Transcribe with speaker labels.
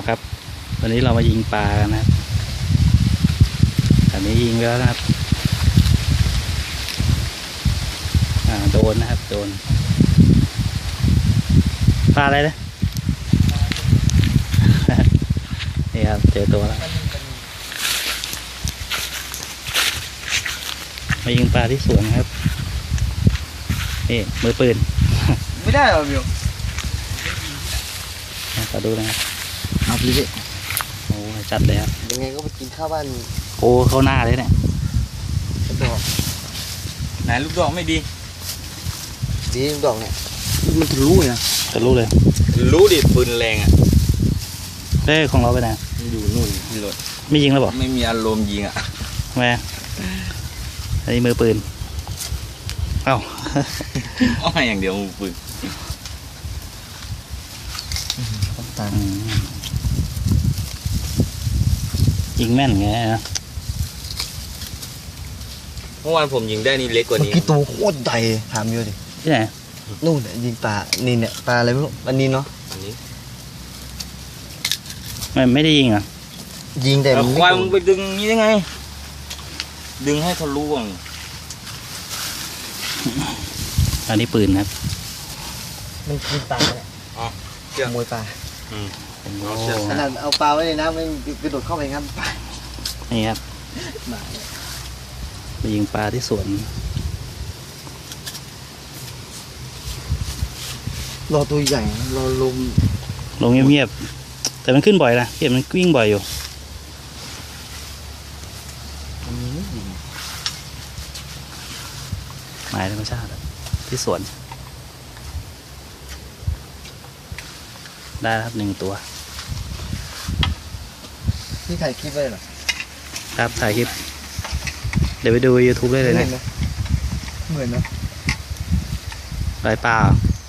Speaker 1: นะครับวันนี้เรามายิงปลากันนะครับอันนี้ยิงไปแล้วนะครับโดนนะครับโดนปลาอะไรนะ นี่ครับเจอตัวแล้วมายิงปลาที่สวนครับนี่มือปืน
Speaker 2: ไม่ได้หรอมิว
Speaker 1: ขอดูนะครับ
Speaker 2: เอาไปเลย
Speaker 1: โอ้จัดเลยครับ
Speaker 2: ยังไงก็ไปกินข้าวบ้าน
Speaker 1: โอ้เข้าหน้าเลยเนี่ย
Speaker 2: ลูกดอก
Speaker 3: ไหนลูกดอกไม่ดี
Speaker 2: ดีลูกดอกเนี่ยมันทะลุนะ
Speaker 1: จะรู้เลย
Speaker 3: รู้ดิปืนแรงอ่ะ
Speaker 1: เอ้ยของเราไปไหน
Speaker 3: อยู่นู่นที่รถ
Speaker 1: ไม่ยิงแล้วบอก
Speaker 3: ไม่มีอารมณ์ยิงอ่ะ
Speaker 1: แม่อันนี้มือปืนเอ้า
Speaker 3: อ้อยอย่างเดียวปืน
Speaker 2: ต่าง
Speaker 1: ยิงแม่นไงนะ
Speaker 3: เมื่อวานผมยิงได้นี่เล็กกว่า
Speaker 2: เมื่อ
Speaker 3: นี้
Speaker 2: กี้ตัวโคตรใหญ่ถามมิวดิ
Speaker 1: ที่ไหน
Speaker 2: นู่นเนี่ยยิงปลานี่เนี่ยปลาอะไรไม่รู้อันนี้เนาะ
Speaker 3: อันนี้
Speaker 1: ไม่ได้ยิงอ่ะ
Speaker 2: ยิงแต่
Speaker 3: แล้ว
Speaker 2: มัน
Speaker 3: ควาย
Speaker 2: ไม่
Speaker 3: มึงไปดึงนี้ได้ไง ดึงให้ทะลุอ่ะ
Speaker 1: อันนี้ปืนครับ
Speaker 2: มันกินปลาเนี่ย
Speaker 3: อ๋อ
Speaker 2: ขโมยปลา
Speaker 3: อืม
Speaker 1: โอ้
Speaker 2: ขนาดเอาปลาไว้ในน้ำมันกระโดดเข้าไปงั้นปลา
Speaker 1: นี่ครับ
Speaker 2: หมา
Speaker 1: ไปยิงปลาที่สวน
Speaker 2: รอตัวใหญ่รอลม
Speaker 1: ลงเงียบๆแต่มันขึ้นบ่อยนะเห็นมันวิ่งบ่อยอยู่
Speaker 2: มันมีไม่ยิง
Speaker 1: หมายธรรมชาติอะที่สวน ได้แล้วครับ1 ตัว
Speaker 2: นี่ถ่ายคลิปไว้เหรอ
Speaker 1: ครับถ่ายคลิป เดี๋ยวไปดู YouTube ได้เลยนะ
Speaker 2: เหมือนนะ
Speaker 1: ลายปลาเหรอ